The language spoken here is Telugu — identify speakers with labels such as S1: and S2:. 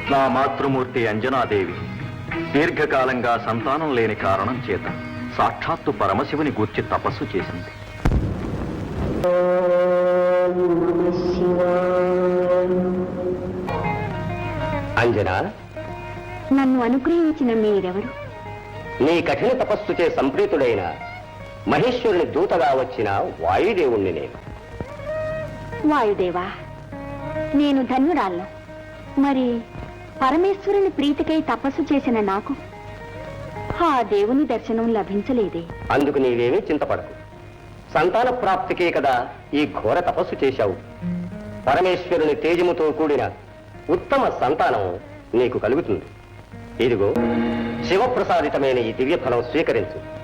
S1: నా మాతృమూర్తి అంజనాదేవి దీర్ఘకాలంగా సంతానం లేని కారణం చేత సాక్షాత్తు పరమశివుని గూర్చి తపస్సు చేసింది.
S2: అంజనా,
S3: నన్ను అనుగ్రహించిన మీరెవరు?
S2: నీ కఠిన తపస్సుచే సంప్రీతుడైన మహేశ్వరుని దూతగా వచ్చిన వాయుదేవుణ్ణి నేను.
S3: వాయుదేవా, నేను ధన్యురాలను. మరి పరమేశ్వరుని ప్రీతికై తపస్సు చేసిన నాకు ఆ దేవుని దర్శనం లభించలేదే.
S2: అందుకు నీవేమీ చింతపడకు. సంతాన ప్రాప్తికే కదా ఈ ఘోర తపస్సు చేశావు. పరమేశ్వరుని తేజముతో కూడిన ఉత్తమ సంతానం నీకు కలుగుతుంది. ఇదిగో శివప్రసాదితమైన ఈ దివ్య ఫలం స్వీకరించు.